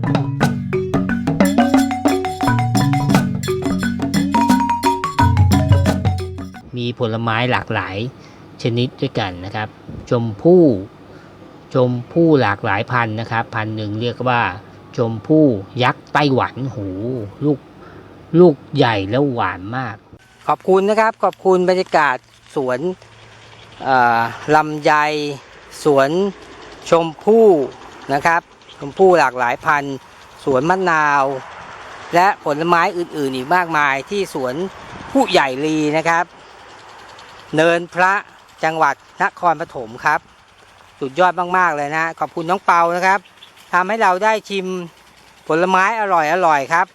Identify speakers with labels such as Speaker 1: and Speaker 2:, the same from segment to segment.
Speaker 1: มีผลไม้หลากหลายชนิดด้วยกันนะครับชมพู่หลากหลายพันธุ์นะครับพันธุ์หนึ่งเรียกว่าชมพู่ยักษ์ไต้หวันหูลูกใหญ่แล้วหวานมากขอบคุณนะครับขอบคุณบรรยากาศสวนลำไยสวนชมพู่นะครับชมพู่หลากหลายพันธุ์สวนมะนาวและผลไม้อื่นๆอีกมากมายที่สวนผู้ใหญ่ลีนะครับเนินพระจังหวัดนครปฐมครับสุดยอดมากๆเลยนะขอบคุณน้องเปานะครับทำให้เราได้ชิมผลไม้อร่อยครับ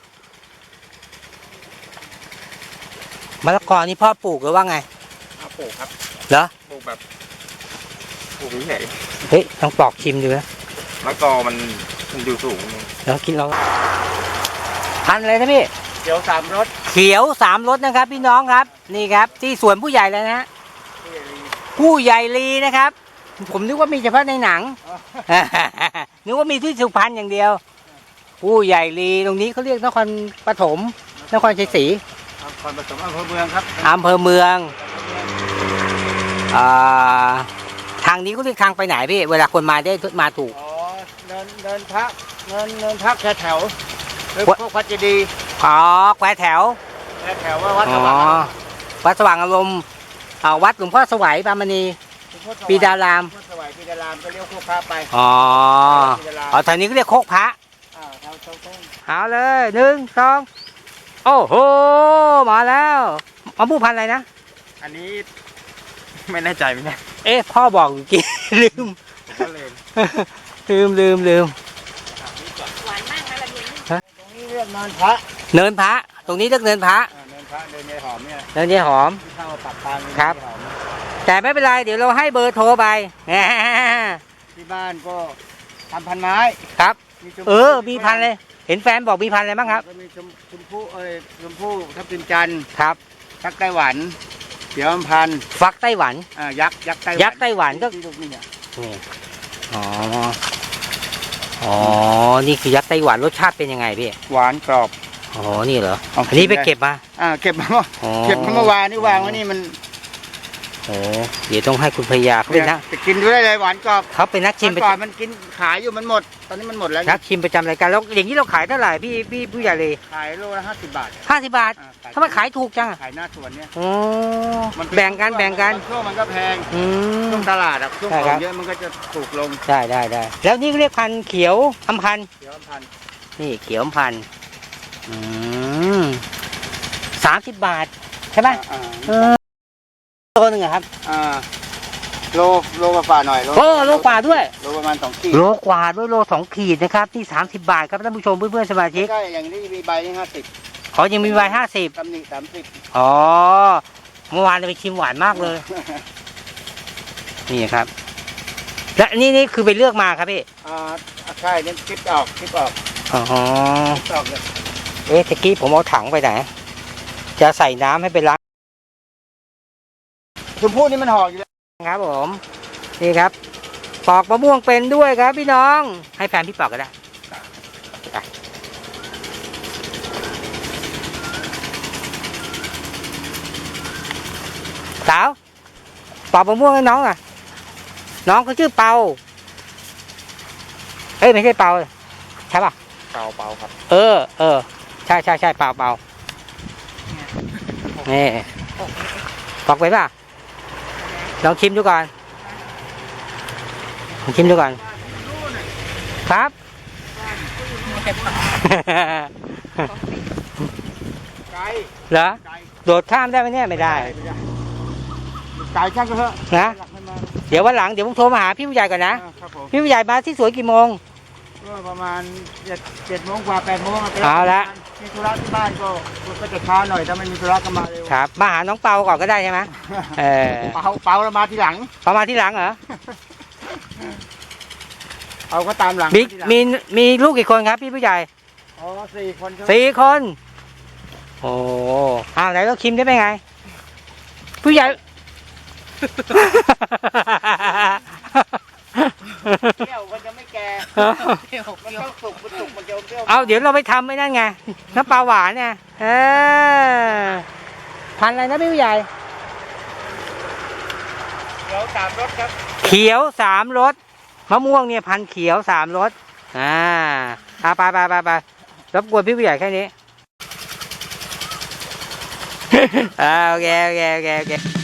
Speaker 1: มะละกอนี่พ่อปลูกหรือว่าไง
Speaker 2: ปลูกครับ
Speaker 1: เหรอ
Speaker 2: ปลูกแบบปลูกเฉย
Speaker 1: เฮ้ยต้องปอกชิมดูนะ
Speaker 2: มะกอมันอยู่สูง
Speaker 1: แล้วกินเราพันอะไรนะพี่
Speaker 2: เขียวสามรส
Speaker 1: นะครับพี่น้องครับนี่ครับที่สวนผู้ใหญ่เลยนะฮะผู้ใหญ่ลีนะครับผมนึกว่ามีเฉพาะในหนัง นึกว่ามีที่สุพรรณอย่างเดียวผู้ใหญ่ลีตรงนี้เขาเรียกนครปฐมนครชัยศรี
Speaker 2: นครปฐมอำเภอเมืองครับ
Speaker 1: อำเภอเมืองทางนี้เขาเรียกทางไปไหนพี่เวลาคนมาได้มาถูก
Speaker 2: เนินพักแถวหรือพวกวัดเจดีย์
Speaker 1: แควแถว
Speaker 2: ว่าวัดสว่าง
Speaker 1: วัดสว่างอารมณ์วัดหลวงพ่อสวัยปามณีปีดาราม
Speaker 2: สวัยปีดารามก็เรียกโคกพระไป
Speaker 1: แถวนี้ก็เรียกโคกพระเอาเลย1 2โอ้โหมาแล้วมะม่วงพันธุ์อะไรนะ
Speaker 2: อันนี้ไม่แน่ใจไหม
Speaker 1: พ่อบอกกี่ ลืม
Speaker 3: หวานมากนะระเบียง
Speaker 2: ตรงนี้เรียกเนินพระ
Speaker 1: ตรงนี้เรียกเนินพระ
Speaker 2: เนินยายหอมเนี่ย
Speaker 1: เนินยายหอม
Speaker 2: เข้าปักปาน
Speaker 1: ครับแต่ไม่เป็นไรเดี๋ยวเราให้เบอร์โทรไป
Speaker 2: ที่บ้านก็ทำพันไม้
Speaker 1: ครับมีพันเลยเห็นแฟนบอกมีพันอะไรบ้างครับ
Speaker 2: ก็มีชมพู่ทับทิมจันทร์
Speaker 1: ครับ
Speaker 2: ยักษ์ไต้หวันเขียวอำพันธ์
Speaker 1: ฟักไต้หวัน
Speaker 2: ยักษ์ไต้
Speaker 1: หวันก็
Speaker 2: นี่เนี่ย
Speaker 1: นี่คือยักษ์ไต้หวันรสชาติเป็นยังไงพี่
Speaker 2: หวานกรอบ
Speaker 1: นี่เหรออันนี้ไปเก็บมา
Speaker 2: เก็บมาเมื่อวานนี่วางไว้นี่มัน
Speaker 1: เดี๋ยวต้องให้คุณพยาเขาเป็นนัก
Speaker 2: กินด้วยเลยหวานกรอบ
Speaker 1: เขาเป็นนักชิม
Speaker 2: ก่อนมันกินขายอยู่มันหมดตอนนี้มันหมดแล้ว
Speaker 1: นักชิมประจำรายการแล้วอย่างนี้เราขายเท่าไหร่พี่ผู้ใหญ่เลย
Speaker 2: ขายโลละ50 บาท
Speaker 1: ทำไมขายถูกจัง
Speaker 2: ขายหน้าสวนเนี่ย
Speaker 1: แบ่งกัน
Speaker 2: ช่วงมันก็แพงช่วงตลาดช่วงของเยอะมันก็จะถูกลง
Speaker 1: ได้แล้วนี่เรียกพันธุ์เขียวอำพันธ์นี่เขียวอำพันธ์30 บาทใช่ไหมโลนึงครับ
Speaker 2: โลกว่าหน่อย
Speaker 1: โลกว่าด้วย
Speaker 2: โลประมาณ2 ขีด
Speaker 1: โลกว่าด้วยโล2 ขีดนะครับที่30 บาทครับท่านผู้ชมเพื่อนๆสมาชิก
Speaker 2: ใช่อย่างนี้มีใบนี่50
Speaker 1: ยังมีใบ50
Speaker 2: ตำหนิ30
Speaker 1: เมื่อวานเราไปชิมหวานมากเลยนี่ครับและนี่คือไปเลือกมาครับพี่
Speaker 2: ใช่นี่คลิปออก
Speaker 1: เลยตะกี้ผมเอาถังไปไหนจะใส่น้ำให้ไปล้าง
Speaker 2: ชมพู่นี่มันห่ออยู่แล้ว
Speaker 1: ครับผมนี่ครับปอกมะม่วงเป็นด้วยครับพี่น้องให้แฟนพี่ปอกก็ได้สาวปอกมะม่วงให้น้องน้องเขาชื่อเปาไม่ใช่เปาใช่ป่ะ
Speaker 2: เปาครับ
Speaker 1: ใช่เปานี่ปอกไปป่ะลองชิมดูก่อนครับเหรอโดดข้ามได้ไหมเนี่ยไม่ได้
Speaker 2: ไก่ช่างก็เถอะ
Speaker 1: นะเดี๋ยววันหลังผมโทรมาหาพี่ผู้ใหญ่ก่อนนะพี่ผู้ใหญ่มาที่สวนกี่โมง
Speaker 2: ประมาณ7 โมงกว่า8 โมง
Speaker 1: เอาละ
Speaker 2: มีธุระที่บ้านก็จะช้าหน่อยถ้าไม่มีธุระก็มาเร็ว
Speaker 1: ครับมาหาน้องเปาก่อนก็ได้ใช่ไหม
Speaker 2: เปาเรามาทีหลัง
Speaker 1: เหรอ
Speaker 2: เอาก็ตามหลัง
Speaker 1: มีลูกกี่คนครับพี่ผู้ใหญ่4 คนไหนก็ชิมได้ไหมไงผู้ใหญ่
Speaker 2: แก้วมันจะไม่แก่เปรี้ยวมันต้องสุกมันสุกมันจะเปรี้ยว
Speaker 1: เอาเดี๋ยวเราไปทำไอ้นั่นไงน้ำปลาหวานเนี่ยพันธุ์อะไรนะพี่ผู้ใหญ่
Speaker 2: เดี๋ยวสามรสครับ
Speaker 1: เขียวสามรสมะม่วงเนี่ยพันธุ์เขียวสามรสไปรบกวนพี่ผู้ใหญ่แค่นี้ โอเค